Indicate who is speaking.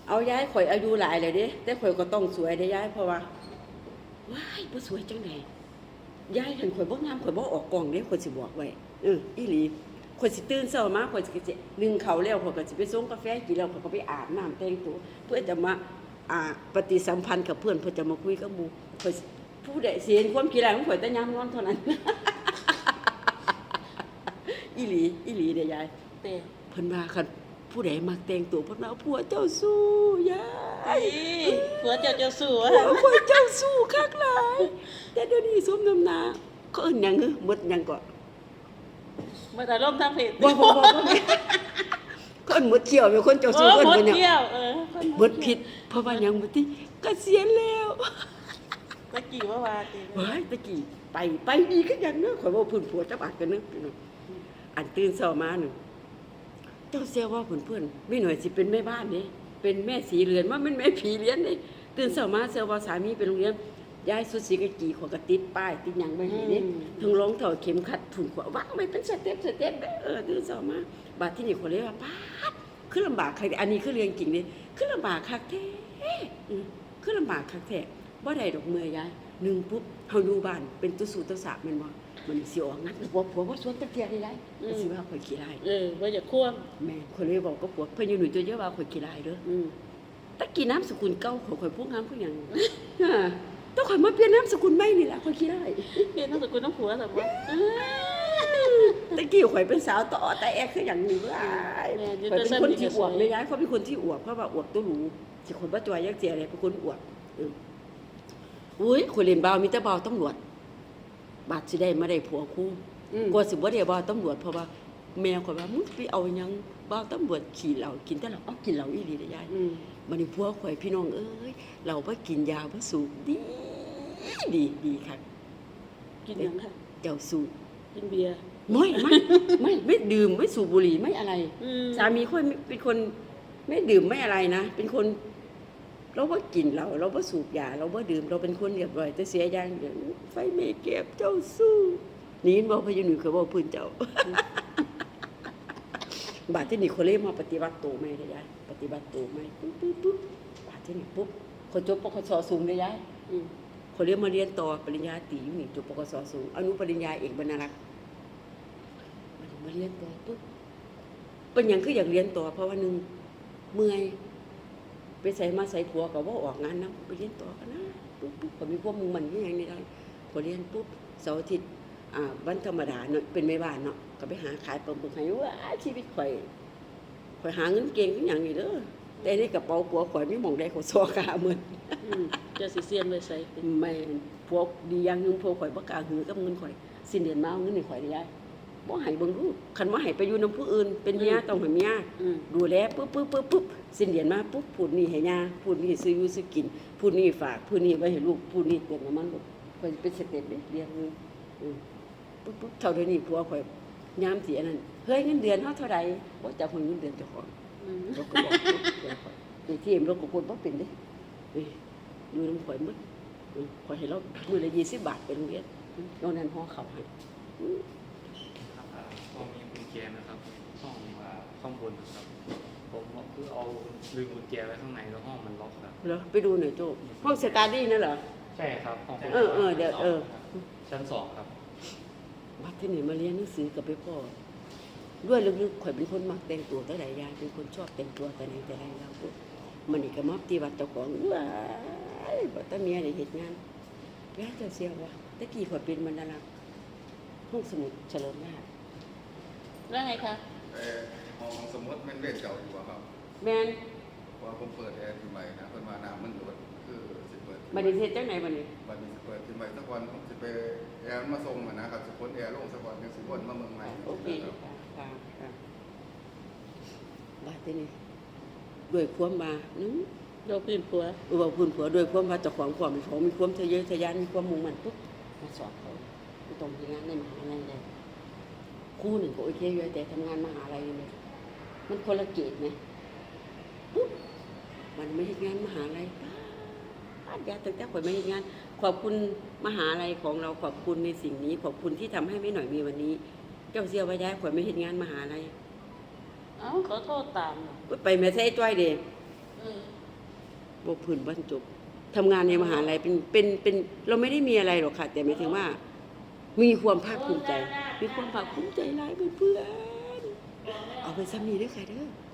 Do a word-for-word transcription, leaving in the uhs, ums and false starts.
Speaker 1: เอาย้ายข่อยอายุหลายเลยเด้แต่ข่อยก็ต้องสวยได้ย้ายเพราะว่าว้ายบ่สวยจังได๋ย้ายคันข่อยบ่งามข่อยบ่ออกกล้องเด้ข่อยสิบอกไว้เอออีหลีข่อยสิตื่นเช้ามาข่อยสิสินึ่งข้าวแล้วข่อยก็สิไปส่งกาแฟกินแล้วข่อยก็ไปอาบน้ำแต่งตัวเพื่อจะมาอ่าปฏิสัมพันธ์กับเพื่อนเพื่อจะมาคุยกับหมู่ข่อยผู้ใดสิเห็นความขี้ร้ายของข่อยแต่ยามนอนเท่านั้น อีหลีอีหลีเด้ยาย
Speaker 2: เต้
Speaker 1: เพิ่นว่าคันผู้ใดมักแต่งตัวเพิ่นว่าผัวเจ้าสู้ยาย
Speaker 2: ผัวเจ้าเจ้าสู้
Speaker 1: ผัวผัวเจ้าสู้คักหลายแต่เดี๋ยวนี้สมน้ำหน้าเขาเอิ้นหยังเหรอหมดหยังก็
Speaker 2: มาแต่ร่มทางเพจ
Speaker 1: บ่บ่บ่บ่เขาเอิ้นหมดเที่ยวเป็นคนเจ้า
Speaker 2: โอ้
Speaker 1: สู้เอิ้น
Speaker 2: หมด
Speaker 1: เพิ่นหยัง
Speaker 2: เที่ยวเออ
Speaker 1: หมดผิดเพราะว่าหยังบ่ติเกษียณแล้ว
Speaker 2: ตะกี้ว่าว่าติ
Speaker 1: ว้ายตะกี้ไปไปดีคือหยังเด้อข่อยบ่พื้นผัวจักบาทกันเด้อพี่น้องอันตื่นเช้ามานึเจ้าเสียว่าเพื่อนๆไม่หน่อยสิเป็นแม่บ้านนี่เป็นแม่สีเรือนว่ามันแม่ผีเลี้ยนนี่ตื่นเช้ามาเสียว่าสามีไปโรงเรียนย้ายสุดสีกะกีขวกระติดป้ายติดหยังไว้ให้นี่ทั้งรองเท้าเข็มขัดถุงขววางไว้เป็นสเต็ปสเต็ปเออตื่นเช้ามาบาดที่นี่คนเลยว่าป๊าดคือลำบากคักอันนี้คือเรื่องจริงนี่คือลำบากคักแท้อือคือลำบากคักแท้บ่ได้ดอกเมื่อยยายนึงปุ๊บเฮาอยู่บ้านเป็นตุสู่ตุสาแม่นบ่มันสิออกงัดผัวผัวบ่สวนตะเกียได้ได้สิว่าข่อยขี้ร้าย
Speaker 2: เออว่าจะควง
Speaker 1: แม่คนเลยบอกก็ปวดเพิ่นอยู่หนุ่ยตัวเยอะว่าข่อยขี้ลายเด้อ
Speaker 2: อืม
Speaker 1: ตะกี้น้ำสกุลเก่าข่อยข่อยพวกงามคือหยังฮ่าต้องข่อยมาเปลี่ยนน้ำสกุลใหม่นี่ล่ะข่อยขี้ลาย
Speaker 2: เพียนต้องสกุลต้องผัวแต่ว่า
Speaker 1: ตะกี้ข่อยเป็นสาวต่อแต่แอกคือหยังนี่ว้ายข่อยเป็นคนที่อวบเลยยายเขาเป็นคนที่อวบเพราะว่าอวบตัวหรูสิคนบ่จอยยักเจียเลยเป็นคนอวบอืออุ้ยข่อยเล่นบ่าวมีแต่บ่าวตำรวจบาดสิได้มาได้ผัวคู่กว่าสิบ่ได้บ่าวตำรวจเพราะว่าแม่ข่อยว่ามึงไปเอาหยังบ่าวตำรวจขี่เหล้ากินแต่เหล้าเอากินเหล้าอีหลีเด้อยาย
Speaker 2: อืม
Speaker 1: บัดนี้ผัวข่อยพี่น้องเอ้ยเราบ่กินยาบ่สูบดีดีดีคัก
Speaker 2: กินหยังค่ะ
Speaker 1: เจ้าสูบ
Speaker 2: กินเบียร์
Speaker 1: ไม่ไม่ไม่ไม่ดื่มไม่สูบบุหรี่ไม่อะไร
Speaker 2: อืม
Speaker 1: สามีค่อยเป็นคนไม่ดื่มไม่อะไรนะเป็นคนเราบ่กินเหล้าเราบ่สูบยาเราบ่ดื่มเราเป็นคนเรียบร้อยแต่เสียอย่างเดียวไฟไม่เก็บเจ้าสู้นี่บ่พะยหนูเคยบ่พื้นเจ้า บาดที่นี่คนเลยมาปฏิบัติตัวใหม่เด้อยายปฏิบัติตัวใหม่ปุ๊บปุ๊บปุ๊บบาดที่นี่ปุ๊บเขาจบปกสสูงเด้อยาย
Speaker 2: อืม
Speaker 1: เขาเรียนมาเรียนต่อปริญญาตรีอยู่นี่จบปกสสูงอนุปริญญาเอกบรรณารักษ์มาเรียนต่อปุ๊บเป็นหยังคืออยากเรียนต่อเพราะว่าหนึงเมื่อยไปใส่มาใส่ผัวก็บ่ออกงานนำไปเรียนต่อกันนะปุ๊บปุ๊บก็มีพวกมึงมันคือหยังนี่ได้พอเรียนปุ๊บเสาร์อาทิตย์อ่าวันธรรมดาเนาะเป็นแม่บ้านเนาะก็ไปหาขายปลาหมึกให้ว่าชีวิตข่อยข่อยหาเงินเก่งคือหยังนี่เด้อแต่ในกระเป๋าผัวข่อยมีหม่องใดเขาซอขาเหมือน
Speaker 2: อืมเจะสิเซียนไว้ใส่ติ
Speaker 1: แม่นพวกดีอย่างหนึงพวกข่อยบ่กล้าหือกับเงินข่อยสิ้นเดือนมาเอาเงินให้ข่อยได้ยายบ่ให้เบิ่งดูคันว่าให้ไปอยู่นำผู้อื่นเป็นเมียต้องให้เมีย
Speaker 2: อืม
Speaker 1: ดูแลปึ๊บปึ๊บปึ๊บปึ๊บสิ้นเดือนมาปุ๊บพูดนี่ให้ย่าพูดนี่ซื้ออยู่ซื้อกินพูดนี่ฝากพูดนี่ไว้ให้ลูกพูดนี่เติมน้ำมันลูกข่อยเป็นสเต็ปเด้เรียนนึงอือปุ๊บปุ๊บเท่าเดี๋ยวนี้ผัวข่อยยามสิอันนั้นเฮ้ยเงินเดือนเฮาเท่าใดบ่จักเงินเดือนเจ้าของ
Speaker 2: อืม
Speaker 1: เราก็บอกลูกข่อยไอ้ที่เอ็มเราก็กดบ่เป็นเด้เอ้ยอยู่นำข่อยหมด ขอให้เรามือละยี่สิบบาทไปโรงเรียนนอกนั้นห่อเขาให้
Speaker 3: ครับอ่าก็มีกุญแจนะครับห้องอ่าข้างบนนะครับผมคือเอาลืมกุญแจไว้ข้างในแล้วห้องมันล็อกครับ
Speaker 1: เหรอไปดูหน่อยโจ้ห้องสตาร์ดี้นั่นเหรอ
Speaker 3: ใช่ครับห้อง
Speaker 1: เออเออเดี๋ยวเออ
Speaker 3: ชั้นสองครับ
Speaker 1: บัดที่นี่มาเรียนหนังสือกับไปพ่อด้วยลึกๆข่อยเป็นคนมักแต่งตัวแต่ใดยายเป็นคนชอบแต่งตัวแต่ไหนแต่ไรแล้วปุ๊บมันนี่ก็มาปฏิบัติเจ้าของว้ายบ่ตาเมียได้เฮ็ดงานยายเจ้าเสียว่าตะกี้ข่อยเป็นบรรณารักษ์ห้องสมุดเฉลิมราช
Speaker 2: แล้วไงคะ
Speaker 4: เอ่อห้องสมมติมันเล่นเก่าอยู่อะครับ
Speaker 1: แม่น
Speaker 4: เพราะว่าผมเปิดแอร์ที่ใหม่นะเพิ่นว่าน้ำมันหยดคือสิเปิด
Speaker 1: บัดนี้เฮ็ดจังไหนบัดนี้
Speaker 4: บัดนี้สิเปิดที่ใหม่สักวันผมสิไปแอร์มันมาส่งอะนะครับสิพ่นแอร์ลงสักวันจังสิพ่นมาเมืองใหม่
Speaker 1: โอเค
Speaker 4: ครับ
Speaker 1: ค่ะค่ะค่ะบัดนี้ด้วยความมานึง
Speaker 2: โดนพื้นผัว
Speaker 1: เออว่าพื้นผัวด้วยความว่าเจ้าของความเป็นของมีความทะเยอทะยานมีความมุ่งมั่นปุ๊บมาสอบเขาไม่ต้องทำงานในมหาลัยเลยครู่หนึ่งก็โอเคอยู่แต่ทำงานมหาลัยเลยมันคนละเกตไหมปุ๊บมันไม่เห็นงานมหาลัยป้าดยาตั้งแต่ข่อยไม่เห็นงาน ขอบคุณมหาลัยของเราขอบคุณในสิ่งนี้ ขอบคุณที่ทำให้ไม่หน่อยมีวันนี้ เจ้าเสียว่าย้ายข่อยไม่เห็นงานมหาลัย
Speaker 2: เอ้าขอโทษตามเหรอ
Speaker 1: ปุ๊บไปแม่ใส่จ้อยเด้
Speaker 2: เออ
Speaker 1: บ่พื้นบ่จบทำงานในมหาลัยเป็นเป็นเป็นเราไม่ได้มีอะไรหรอกค่ะ แต่หมายถึงว่า มีความภาคภูมิใจ มีความภาคภูมิใจหลายเพื่อนๆเอาไปซ้ำนี้เด้อค่ะเด้อ